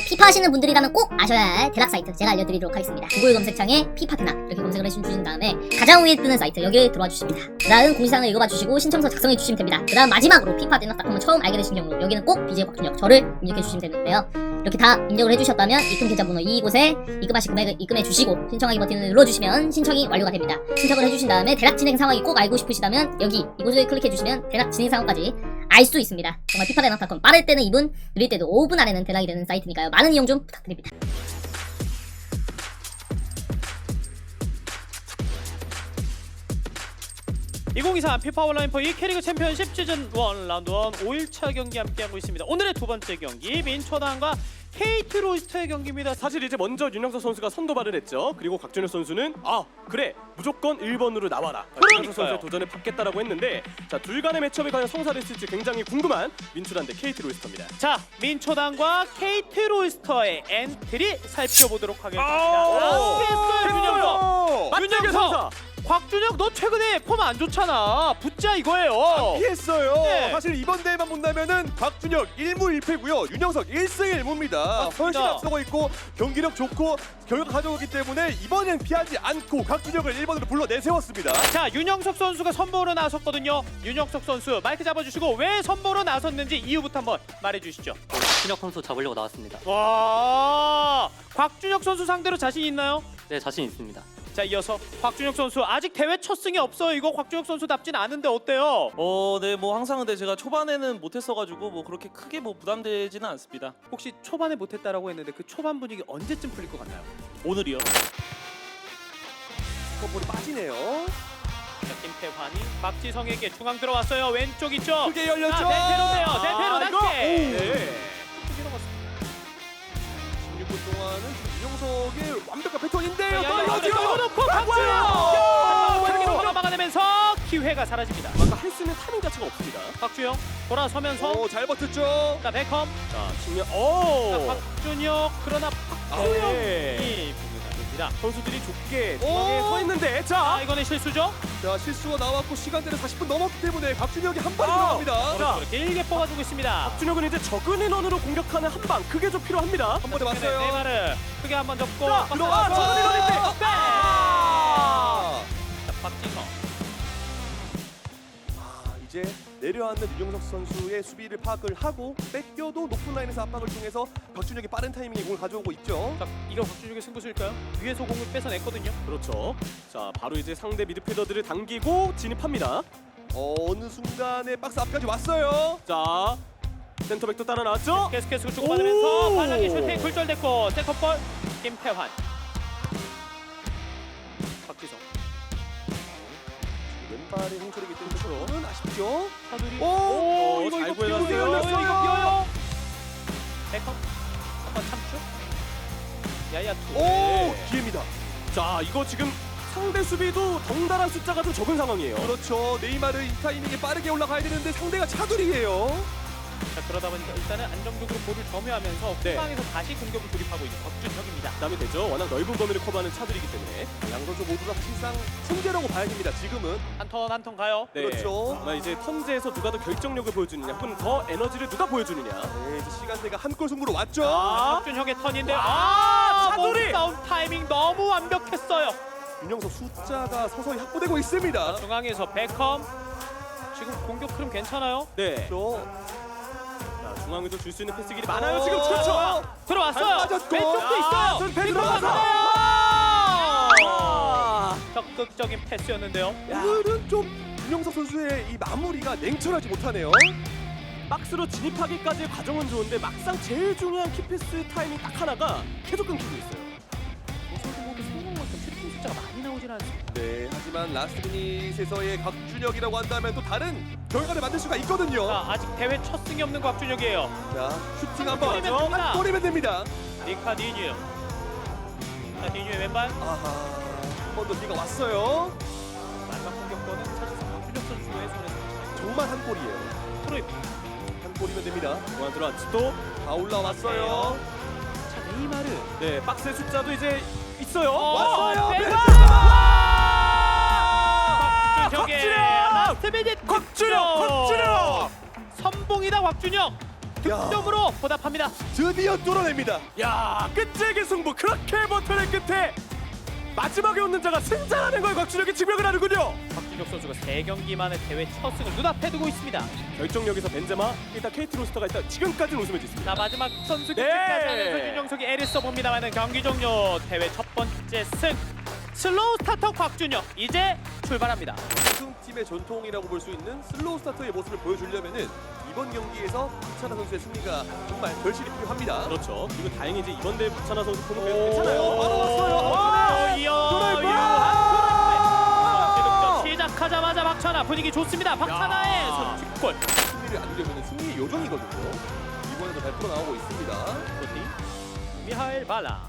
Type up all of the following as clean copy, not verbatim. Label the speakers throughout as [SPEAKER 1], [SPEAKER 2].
[SPEAKER 1] 피파 하시는 분들이라면 꼭 아셔야 할 대락 사이트 제가 알려드리도록 하겠습니다. 구글 검색창에 피파 대락 이렇게 검색을 해주신 다음에 가장 위에 뜨는 사이트 여기에 들어와 주십니다. 그 다음 공지사항을 읽어봐 주시고 신청서 작성해 주시면 됩니다. 그 다음 마지막으로 피파 대락닷컴을 처음 알게 되신 경우 여기는 꼭 BJ 곽준혁 저를 입력해 주시면 되는데요. 이렇게 다 입력을 해주셨다면 입금 계좌번호 이곳에 입금하실 금액을 입금해 주시고 신청하기 버튼을 눌러주시면 신청이 완료가 됩니다. 신청을 해주신 다음에 대락 진행 상황이 꼭 알고 싶으시다면 여기 이곳을 클릭해 주시면 대락 진행 상황까지 알 수 있습니다. 정말 피파 대락닷컴 빠를 때는 2분, 느릴 때도 5분 안에는 대락이 되는 사이트니까요. 많은 이용 좀 부탁드립니다.
[SPEAKER 2] 2023 피파 온라인 포2 K리그 챔피언십 시즌 1 라운드 1 5일차 경기 함께하고 있습니다. 오늘의 두 번째 경기 민초당과 KT 로이스터의 경기입니다.
[SPEAKER 3] 사실 이제 먼저 윤영석 선수가 선도발을 했죠. 그리고 곽준혁 선수는 그래 무조건 1번으로 나와라. 윤영석 선수의 도전에 받겠다라고 했는데 자 둘 간의 매치업이 과연 성사를 했을지 굉장히 궁금한 민초당 대 KT 로이스터입니다.
[SPEAKER 2] 자 민초당과 KT 로이스터의 엔트리 살펴보도록 하겠습니다. 피했어요 윤영석. 윤영석. 곽준혁 너 최근에 폼 안 좋잖아. 붙자 이거예요.
[SPEAKER 4] 피했어요.
[SPEAKER 2] 네.
[SPEAKER 4] 사실 이번 대회만 본다면은 곽준혁 1무 1패고요. 윤영석 1승 1무입니다. 훨씬 앞서고 있고 경기력 좋고 결과 가져오기 때문에 이번엔 피하지 않고 곽준혁을 1번으로 불러 내세웠습니다.
[SPEAKER 2] 자 윤영석 선수가 선보로 나섰거든요. 윤영석 선수 마이크 잡아주시고 왜 선보로 나섰는지 이유부터 한번 말해주시죠.
[SPEAKER 5] 곽준혁 선수 잡으려고 나왔습니다.
[SPEAKER 2] 와 곽준혁 선수 상대로 자신 있나요?
[SPEAKER 5] 네, 자신 있습니다.
[SPEAKER 2] 자 이어서 곽준혁 선수 아직 대회 첫 승이 없어요. 이거 곽준혁 선수답진 않은데 어때요?
[SPEAKER 6] 네, 뭐 항상 근데 제가 초반에는 못했어가지고 뭐 그렇게 크게 뭐 부담되지는 않습니다.
[SPEAKER 2] 혹시 초반에 못했다라고 했는데 그 초반 분위기 언제쯤 풀릴 것 같나요?
[SPEAKER 6] 오늘이요.
[SPEAKER 4] 볼이 빠지네요.
[SPEAKER 2] 자 김태환이 박지성에게 중앙 들어왔어요. 왼쪽 있죠?
[SPEAKER 4] 크게 열렸죠.
[SPEAKER 2] 대패로네요. 대패로 낮게.
[SPEAKER 4] 네. 16분 동안은 지금 윤영석의 완벽한 패턴인데요.
[SPEAKER 2] 넣고 곽준혁 막아내면서 기회가 사라집니다.
[SPEAKER 3] 아까 할 수 있는 타이밍 자체가 없습니다.
[SPEAKER 2] 곽준혁 돌아서면서
[SPEAKER 4] 잘 버텼죠.
[SPEAKER 2] 자 베컴
[SPEAKER 3] 자 측면
[SPEAKER 2] 자, 곽준혁 그러나 박주영이
[SPEAKER 3] 네.
[SPEAKER 2] 공격이 됩니다.
[SPEAKER 3] 선수들이 좁게 중앙에 서 있는데
[SPEAKER 2] 자 이거는 실수죠?
[SPEAKER 4] 자 실수가 나왔고 시간대는 40분 넘었기 때문에 곽준혁이 한 발이 들어갑니다.
[SPEAKER 2] 자 길게 뽑아주고 있습니다.
[SPEAKER 3] 박준혁은 이제 적은 인원으로 공격하는 한 방 그게 좀 필요합니다.
[SPEAKER 4] 한 번에 맞어요.
[SPEAKER 2] 네이마르 크게 한번 접고
[SPEAKER 4] 들어와 적은 인원일 때.
[SPEAKER 2] 자 박지성
[SPEAKER 4] 이제 내려앉는 윤영석 선수의 수비를 파악을 하고 뺏겨도 높은 라인에서 압박을 통해서 박준혁이 빠른 타이밍에 공을 가져오고 있죠.
[SPEAKER 2] 자 이거 박준혁의 승부수일까요? 위에서 공을 뺏어냈거든요.
[SPEAKER 3] 그렇죠. 자 바로 이제 상대 미드필더들을 당기고 진입합니다.
[SPEAKER 4] 어느 순간에 박스 앞까지 왔어요.
[SPEAKER 3] 자 센터백도 따라 나왔죠.
[SPEAKER 2] 계속해서 주고받으면서
[SPEAKER 3] 오!
[SPEAKER 2] 발락이 슈팅 굴절됐고 세컨볼 김태환 박지성
[SPEAKER 4] 왼발의 홍철이기 때문에 조금은 아쉽죠.
[SPEAKER 2] 사두리
[SPEAKER 3] 오,
[SPEAKER 4] 이거
[SPEAKER 3] 잘
[SPEAKER 4] 비어요.
[SPEAKER 3] 보여줬어요.
[SPEAKER 2] 이거 비어요. 베컴 한번 참죠. 야야 투.
[SPEAKER 4] 오 기회입니다.
[SPEAKER 3] 자 이거 지금 상대 수비도 덩달아 숫자가 좀 적은 상황이에요.
[SPEAKER 4] 그렇죠. 네이마르 이 타이밍에 빠르게 올라가야 되는데 상대가 차두리예요.
[SPEAKER 2] 자 그러다 보니까 일단은 안정적으로 볼을 점유하면서
[SPEAKER 3] 네.
[SPEAKER 2] 후방에서 다시 공격을 돌입하고 있는 곽준혁입니다.
[SPEAKER 3] 부담이 되죠. 워낙 넓은 범위를 커버하는 차들이기 때문에.
[SPEAKER 4] 양 선수 모두 다 사실상 승제라고 봐야 됩니다. 지금은.
[SPEAKER 2] 한 턴 한 턴 가요.
[SPEAKER 3] 네.
[SPEAKER 4] 그렇죠.
[SPEAKER 3] 정말 이제 턴제에서 누가 더 결정력을 보여주느냐, 혹은 더 에너지를 누가 보여주느냐.
[SPEAKER 4] 네, 이제 시간대가 한 골 승부로 왔죠.
[SPEAKER 2] 곽준혁의 턴인데
[SPEAKER 3] 차두리!
[SPEAKER 2] 몸싸움 타이밍 너무 완벽했어요.
[SPEAKER 4] 윤영석 숫자가 서서히 확보되고 있습니다.
[SPEAKER 2] 중앙에서 베컴 지금 공격 흐름 괜찮아요?
[SPEAKER 3] 네.
[SPEAKER 4] 그렇죠.
[SPEAKER 3] 자, 중앙에도 줄 수 있는 패스 길이 많아요. 지금 그렇죠.
[SPEAKER 2] 들어왔어요.
[SPEAKER 4] 잘 빠졌고.
[SPEAKER 2] 왼쪽도 있어요.
[SPEAKER 4] 패스 들어가서.
[SPEAKER 2] 적극적인 패스였는데요.
[SPEAKER 4] 오늘은 좀 윤영석 선수의 이 마무리가 냉철하지 못하네요.
[SPEAKER 3] 박스로 진입하기까지의 과정은 좋은데 막상 제일 중요한 키패스 타이밍 딱 하나가 계속 끊기고 있어요.
[SPEAKER 2] 모습도 모두 성공만큼 슈팅 숫자가 많이 나오진 않습니다.
[SPEAKER 4] 네, 하지만 라스트 미닛에서의 곽준혁이라고 한다면 또 다른 결과를 만들 수가 있거든요.
[SPEAKER 2] 자, 아직 대회 첫 승이 없는 곽준혁이에요.
[SPEAKER 4] 자, 슈팅
[SPEAKER 2] 한
[SPEAKER 4] 한번
[SPEAKER 2] 골이면 됩니다.
[SPEAKER 4] 한 골이면 됩니다.
[SPEAKER 2] 리카디뉴. 자, 디뉴의 왼발.
[SPEAKER 4] 아하, 한 번 더 비가 왔어요.
[SPEAKER 2] 마지막 공격권은 사실상 곽준혁 선수의 손에서
[SPEAKER 4] 정말 한 골이에요.
[SPEAKER 2] 프로입.
[SPEAKER 4] 한 골이면 됩니다.
[SPEAKER 3] 중앙 들어왔지 또.
[SPEAKER 4] 다 올라왔어요.
[SPEAKER 2] 자, 네이마르.
[SPEAKER 3] 네, 박스의 숫자도 이제 있어요.
[SPEAKER 4] 왔어요.
[SPEAKER 2] 곽준혁의 라스트 미닛.
[SPEAKER 3] 곽준혁!
[SPEAKER 2] 선봉이다 곽준혁. 득점으로 보답합니다.
[SPEAKER 4] 드디어 뚫어냅니다.
[SPEAKER 3] 야, 끝재기 승부. 그렇게 버텨낸 끝에 마지막에 웃는 자가 승자라는 걸 곽준혁이 증명을 하는군요.
[SPEAKER 2] 박준혁 선수가 3경기 만에 대회 첫 승을 눈앞에 두고 있습니다.
[SPEAKER 3] 결정력에서 벤제마, 일단 KT 로스터가 일단 지금까지는 웃으면 짓습니다.
[SPEAKER 2] 자, 마지막 선수
[SPEAKER 3] 네.
[SPEAKER 2] 교체까지 하면서 윤영석이 애를 써봅니다만은 경기 종료. 대회 첫 번째 승. 슬로우 스타터 곽준혁 이제 출발합니다.
[SPEAKER 4] 우승팀의 전통이라고 볼 수 있는 슬로우 스타터의 모습을 보여주려면은 이번 경기에서 박찬하 선수의 승리가 정말 결실이 필요합니다.
[SPEAKER 3] 그렇죠. 그리고 다행이지 이번 대회 박찬하 선수 폼은 괜찮아요.
[SPEAKER 4] 바로 왔어요.
[SPEAKER 2] 득점 시작하자마자 박찬하 분위기 좋습니다. 박찬하의 선취골.
[SPEAKER 4] 승리를 안으려면 승리의 요정이거든요. 이번에도 잘 풀어나오고 있습니다.
[SPEAKER 2] 미하엘 발라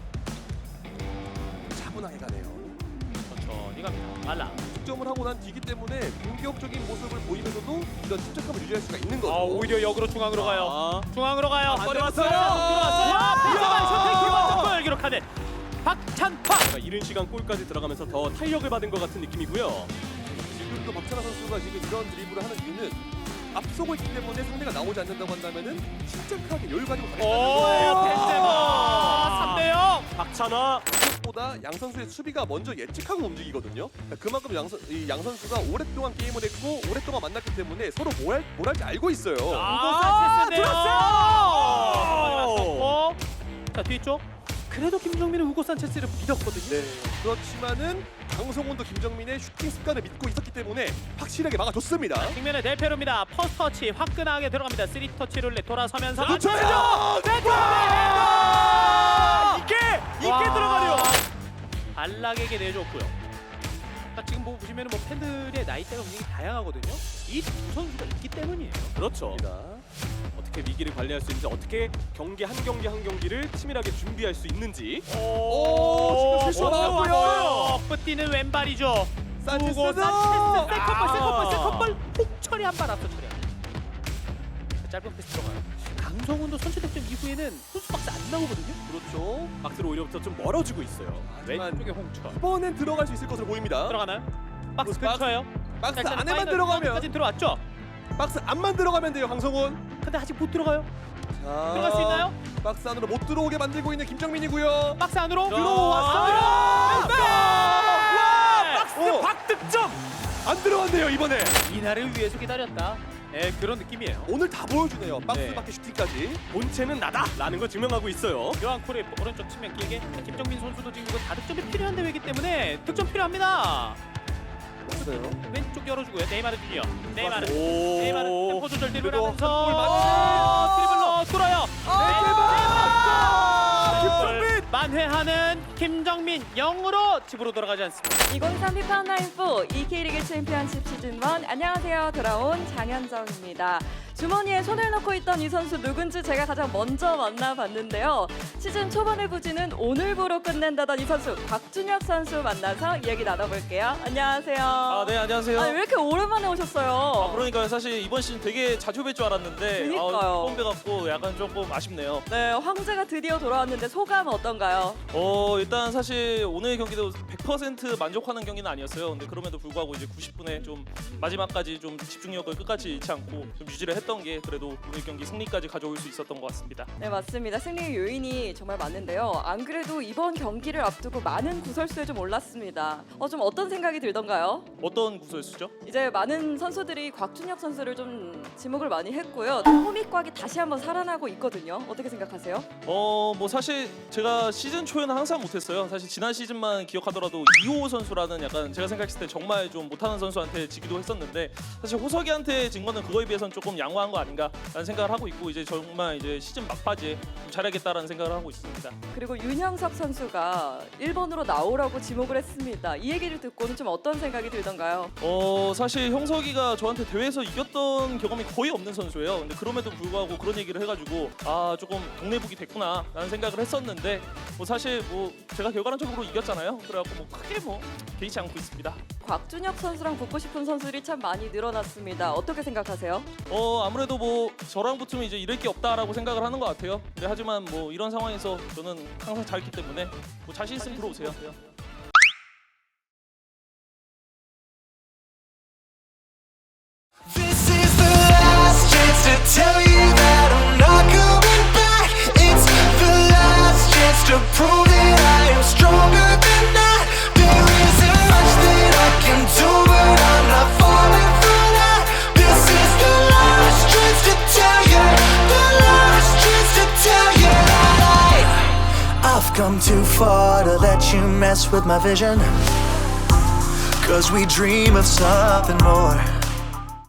[SPEAKER 4] 차분하게 가네요.
[SPEAKER 2] 천천히 갑니다. 발라.
[SPEAKER 4] 득점을 하고 난 뒤기 때문에 공격적인 모습을 보이면서도 이런 침착함을 유지할 수가 있는 거죠.
[SPEAKER 2] 오히려 역으로 중앙으로 가요. 중앙으로 가요.
[SPEAKER 3] 안 들어왔어요.
[SPEAKER 2] 들어왔어요. 벤제마 슈팅 기본골 기록하는 박찬하.
[SPEAKER 3] 이른 시간 골까지 들어가면서 더 탄력을 받은 것 같은 느낌이고요.
[SPEAKER 4] 지금도 박찬하 선수가 지금 이런 드리블을 하는 이유는 앞서고 있기 때문에 상대가 나오지 않는다고 한다면은 침착하게 여유 가지고 가겠다는 거예요.
[SPEAKER 2] 벤제마 3대0.
[SPEAKER 3] 박찬하
[SPEAKER 4] 보다 양 선수의 수비가 먼저 예측하고 움직이거든요. 그러니까 그만큼 양 선수가 오랫동안 게임을 했고 오랫동안 만났기 때문에 서로 뭘 할지 알고 있어요.
[SPEAKER 2] 우고 산체스인데요.
[SPEAKER 3] 들었어요.
[SPEAKER 2] 자, 뒤쪽. 그래도 김정민은 우고 산체스를 믿었거든요.
[SPEAKER 4] 네. 그렇지만은 강성훈도 김정민의 슈팅 습관을 믿고 있었기 때문에 확실하게 막아줬습니다.
[SPEAKER 2] 측면에 델페로입니다. 퍼스트 터치 화끈하게 들어갑니다. 3터치 룰렛 돌아서면서
[SPEAKER 4] 놓쳐야죠.
[SPEAKER 3] 이게 들어가네요.
[SPEAKER 2] 발락에게 내줬고요. 자, 지금 보시면 팬들의 나이대가 굉장히 다양하거든요. 이 두 선수가 있기 때문이에요.
[SPEAKER 3] 그렇죠. 어떻게 위기를 관리할 수 있는지, 어떻게 경기 한 경기를 치밀하게 준비할 수 있는지.
[SPEAKER 4] 지금 실수가 나왔고요.
[SPEAKER 2] 뿌띠는 왼발이죠.
[SPEAKER 4] 산체스.
[SPEAKER 2] 우고 산체스 세컨볼 훅 처리 한 발 앞서 처리합니다. 짧은 패스 들어가요. 강성훈도 선취 득점 이후에는 선수 박스 안 나오거든요.
[SPEAKER 4] 그렇죠.
[SPEAKER 3] 박스로 오히려부터 좀 멀어지고 있어요.
[SPEAKER 4] 하지만
[SPEAKER 2] 왼쪽에 홍철
[SPEAKER 4] 이번엔 들어갈 수 있을 것으로 보입니다.
[SPEAKER 2] 들어가나요? 박스
[SPEAKER 4] 박스.
[SPEAKER 2] 근처에요.
[SPEAKER 4] 박스
[SPEAKER 2] 일단은
[SPEAKER 4] 안에만
[SPEAKER 2] 파이널
[SPEAKER 4] 들어가면
[SPEAKER 2] 라운드까지 들어왔죠.
[SPEAKER 4] 박스 안만 들어가면 돼요, 강성훈.
[SPEAKER 2] 근데 아직 못 들어가요.
[SPEAKER 4] 자,
[SPEAKER 2] 들어갈 수 있나요?
[SPEAKER 4] 박스 안으로 못 들어오게 만들고 있는 김정민이고요.
[SPEAKER 2] 박스 안으로
[SPEAKER 4] 들어왔어요.
[SPEAKER 3] 박스 박득점.
[SPEAKER 4] 안 들어왔네요 이번에.
[SPEAKER 2] 이날을 위해서 기다렸다. 네, 그런 느낌이에요.
[SPEAKER 4] 오늘 다 보여주네요. 박스
[SPEAKER 2] 네.
[SPEAKER 4] 밖에 슈팅까지.
[SPEAKER 3] 본체는 나다라는 걸 증명하고 있어요.
[SPEAKER 2] 요한 콜의 오른쪽 측면 길게 김정민 선수도 지금 이거 다득점이 필요한 대회이기 때문에 득점 필요합니다.
[SPEAKER 4] 없어요.
[SPEAKER 2] 왼쪽 열어주고요. 네이마르 주니어. 네이마르
[SPEAKER 3] 오.
[SPEAKER 2] 템포 조절
[SPEAKER 4] 그래도
[SPEAKER 2] 드리블하면서
[SPEAKER 4] 한골 맞지.
[SPEAKER 2] 드리블로 뚫어요.
[SPEAKER 4] 김정민!
[SPEAKER 2] 만회하는 김정민 0으로 집으로 돌아가지 않습니다.
[SPEAKER 7] 2023 피파 온라인4 K리그 챔피언십 시즌 1 안녕하세요. 돌아온 장현정입니다. 주머니에 손을 넣고 있던 이 선수 누군지 제가 가장 먼저 만나봤는데요. 시즌 초반의 부진은 오늘부로 끝낸다던 이 선수 곽준혁 선수 만나서 이야기 나눠볼게요. 안녕하세요.
[SPEAKER 6] 네, 안녕하세요.
[SPEAKER 7] 아니, 왜 이렇게 오랜만에 오셨어요?
[SPEAKER 6] 그러니까요. 사실 이번 시즌 되게 자주 뵐 줄 알았는데
[SPEAKER 7] 그니까요.
[SPEAKER 6] 처음 뵈갖고 약간 조금 아쉽네요.
[SPEAKER 7] 네, 황제가 드디어 돌아왔는데 소감 어떤가요?
[SPEAKER 6] 일단 사실 오늘 경기도 100% 만족하는 경기는 아니었어요. 근데 그럼에도 불구하고 이제 90분에 좀 마지막까지 좀 집중력을 끝까지 잃지 않고 좀 유지를 했던 게 그래도 오늘 경기 승리까지 가져올 수 있었던 것 같습니다.
[SPEAKER 7] 네, 맞습니다. 승리의 요인이 정말 많은데요. 안 그래도 이번 경기를 앞두고 많은 구설수에 좀 올랐습니다. 좀 어떤 생각이 들던가요?
[SPEAKER 6] 어떤 구설수죠?
[SPEAKER 7] 이제 많은 선수들이 곽준혁 선수를 좀 지목을 많이 했고요. 호미곽이 다시 한번 살아나고 있거든요. 어떻게 생각하세요?
[SPEAKER 6] 뭐 사실 제가 시즌 초에는 항상 못했어요. 사실 지난 시즌만 기억하더라도 이호 선수라는 약간 제가 생각했을 때 정말 좀 못하는 선수한테 지기도 했었는데 사실 호석이한테 진 거는 그거에 비해서는 조금 양호한 거 아닌가라는 생각을 하고 있고 이제 정말 이제 시즌 막바지에 좀 잘하겠다라는 생각을 하고 있습니다.
[SPEAKER 7] 그리고 윤형석 선수가 1번으로 나오라고 지목을 했습니다. 이 얘기를 듣고는 좀 어떤 생각이 들던가요?
[SPEAKER 6] 사실 형석이가 저한테 대회에서 이겼던 경험이 거의 없는 선수예요. 근데 그럼에도 불구하고 그런 얘기를 해가지고 조금 동네북이 됐구나라는 생각을 했었는데 사실 제가 결과론적으로 이겼잖아요. 그래갖고 크게 개의치 않고 있습니다.
[SPEAKER 7] 곽준혁 선수랑 붙고 싶은 선수들이 참 많이 늘어났습니다. 어떻게 생각하세요?
[SPEAKER 6] 아무래도 저랑 붙으면 이제 이럴 게 없다라고 생각을 하는 것 같아요. 근데 하지만 이런 상황에서 저는 항상 잘했기 때문에 자신 있으면 들어오세요.
[SPEAKER 8] This is the last chance to tell you that I'm to prove that I am stronger than that. There isn't much that I can do, but I'm not falling for that. This is the last chance to tell you, the last chance to tell you that I've come too far to let you mess with my vision. 'Cause we dream of something more.